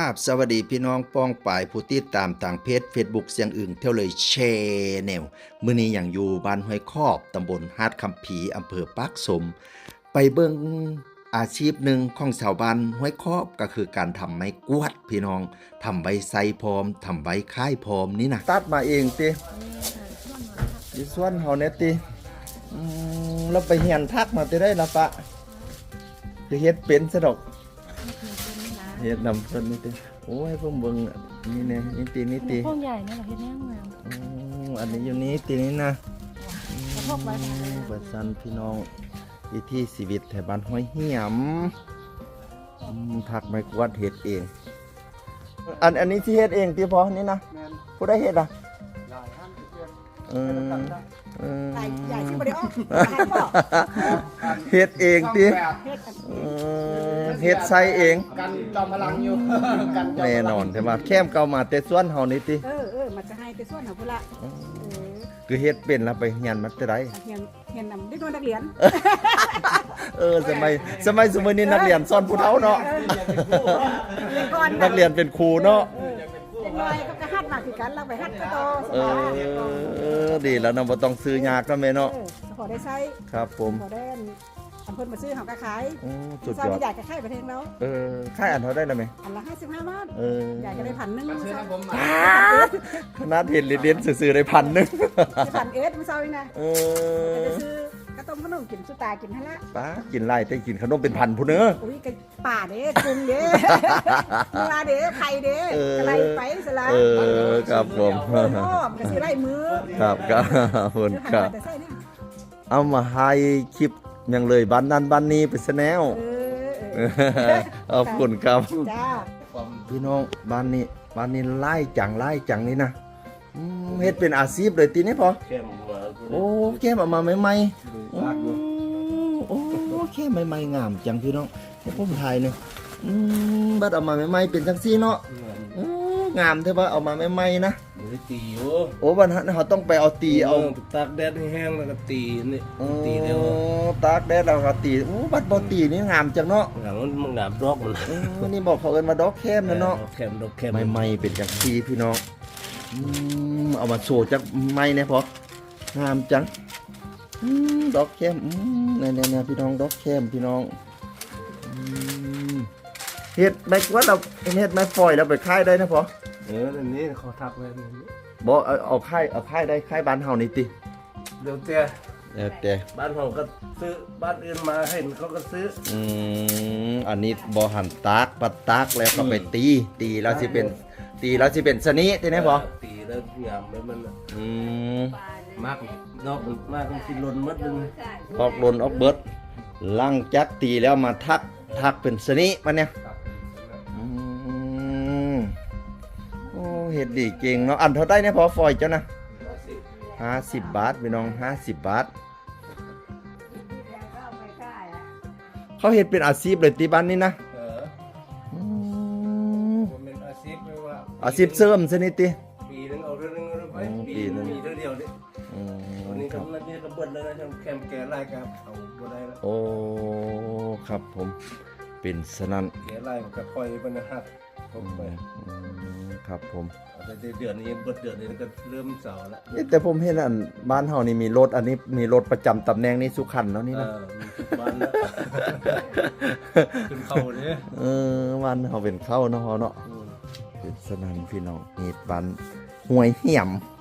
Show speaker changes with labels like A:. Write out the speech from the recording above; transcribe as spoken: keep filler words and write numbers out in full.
A: บสวัสดีพี่น้องป้องป่ายผู้ติดตามทางเพจ Facebook เสียงอึ่งเที่ยวเลยแชนแนลมื้อนี้อย่างอยู่บ้านห้วยคอบตำบลฮาดคำผีอำเภอปากสมไปเบิ่งอาชีพหนึ่งของชาวบ้านห้วยคอบก็คือการทำไม้กวาดพี่น้องทำใบไซพร้อมทำใบค่ายพร้อมนี่นะตัดมาเองติดิส่วนเฮาเนี่ยติอืมแล้วไปเฮียนทักมาติได้ละปะจะเฮ็ดเป็นซะดอกเฮ็ดนำเพิ่นนี่ติโอ้ยเพิ่งเบิ่งนี่แน่นี่ตินี่ติ
B: พวกใหญ่นี่แหละเฮ็ดแน่งาม
A: อืออันนี้อยู่นี้ตินี่นะ
B: กระทบไว้
A: เปิดซันพี่น้องวิถีชีวิตแถวบ้านห้วยเหี่ยมผักไม้กวาดเฮ็ดเองอันอันนี้ที่เฮ็ดเองติพอนี่นะผู้ใดเฮ็ดอ่ะเออเออใหญ่ที่บ่ได้ออกเฮ็ดเองติเออเฮ็ดใส่เอง
C: กันจอมพลังอยู่กัน
A: แน่นอนใช่ป่ะแคมเก่ามาแต่ส่วนเฮานี่ติ
B: เออเออมันจะให้แต่ส่วนเฮาพุ่นละเออ
A: คือเฮ็ดเป็นแล้วไปเรียนมาแต่ใด
B: เรียนเรียนนำเด็กนักเรียน
A: เออสมัยสมัยสมัยนี้นักเรียนสอนผู้เฒ่าเนาะนักเรียนเป็นครูเนาะ
B: เป็นน้อยก็จะฮัดมาคือกันเราไปฮัดก็โต
A: เออดีแล้วเนาะบ่ต้องซื้อยากเนาะแม่เนาะ
B: พอได้ใช้
A: ครับผม
B: พอได้อันเพิ่นมาซื้อเฮาก็ขาย
A: โอ้สุดยอด
B: ใหญ่ก็ขายประเทศแล้ว
A: เออขายอันเท่าได้แล้วมั้ย
B: อันละห้าสิบห้าบาท
A: เออ
B: ใหญ่ก็ได้พันนึง
C: ซื้อให้ผมมา
A: ขนาดเห็นเรียนซื่อๆได้พันนึง
B: ได้พันเอสมื้อเช้านี่นะ
A: เอ
B: อจะซื้อกระต้มขนมกินสุตากินหั่นละ
A: ป้ากินไล่แต่กินขนมเป็นพันพุ่นเด้อ
B: อุ้ยก็ป่าเด้กุ้งเด้ปลาเด้ไข่เด้กระไรไปซะละ
A: เออครับผม
B: อ้อมก็สิไล่มือ
A: ครับครับคุณครับเอามาให้คลิปยังเลยบ้านนั้นบ้านนี้ไปซะแนวขอบคุณครับ
B: จ้า
A: พี่น้องบ้านนี้บ้านนี้ไล่จังไล่จังนี่นะเฮ็ดเป็นอาชีพเลยทีนี้พอโอ้แค่มาใหม่ๆโอ้โอ้แค่ใหม่ๆงามจังพี่น้องผมถ่ายหนึ่งบัดเอามาใหม่ๆเป็นจังซี่เนาะงามเท่าว่าเอามาใหม่ๆนะ
C: ตีอยู่
A: โอ้วันนั้นเขาต้องไปเอาตีเอา
C: ตากแดดให้แห้งแล้วก็ตีนี่ตีเดียว
A: ตากแดดแล้วก็ตีโอ้บัดบ่ตีนี่งามจังเนาะ
C: งามมันงามดอก
A: มันนี่บอกเขาเอิ้นว่าดอกแคมนะเนาะ
C: แคมดอกแคม
A: ใหม่ๆเป็นจังซี่พี่น้องเอามาโชว์จักไม้เนี่ยพองามจังดอกแคมเนี่ยๆพี่น้องดอกแคมพี่น้องเฮ็ดไม้กวาดเราเฮ็ดไม้ฝอยแล้วไปขายได้นะพอ
C: เอออันนี้เขาทักไว้
A: บ่เอาเอาค่ายเอาค่ายได้ค่ายบ้านเฮานี่ติ
C: เดี๋ยวแต่
A: เดี๋ยวแต่
C: บ้านเฮาก็ซื้อบ้านอื่นมาให้เขาก็ซื้อ
A: อืมอันนี้บ่หั่นตากปัดตากแล้วก็ไปตีตีแล้วสิเป็นตีแล้วสิเป็นสนิติได้บ่
C: ตีแล้วงามแล้วมัน
A: อืม
C: มากดอกมากมันสิหล่นหมดนึง
A: ออกหล่นออกเบิดหลังจากตีแล้วมาทักทักเป็นสนิมันเนี่ยอืมโอ้เฮ็ดดีเก่งเนาะอันเท่าได้เนี่ยพอฝอยเจ้านะห้าสิบบาทพี่น้องห้าสิบบาทเขาเฮ็ดเป็นอาชีพเลยตีบ้านนี่นะ
C: เออเป็นอาชีพไม่ว่า
A: อาชีพเสริมซะนี่ติ
C: ปีนึงเอาเรื่องนึงไปปีนึงมีเท่าเดียวดิอืมวันนี้ก็มันนี่ก็เบิดแล้วนะแคมแก่ไล่ครับเอาบ่ได้แล้ว
A: โอ้ครับผมเป็นสนั่น
C: แก่ไล่มันก็ค่อยมันฮักผมไป
A: ครับผม
C: แต่เดือนนี้เบิดเดือนนี้ก็เริ่มเสาร์แล้ว
A: แต่ผมเห็นอันบ้านเฮานี่มีรถอันนี้มีรถประจำตำแหน่งนี้สุขันเนาะนี่นะ
C: เออมีทุกบ้านแล้วเป็นเข้าเด้
A: เออบ้านเฮาเป็นเข้าเนาะเนาะเป็นสนั่นพี่น้องนี่บ้านห้วยเหี่ยม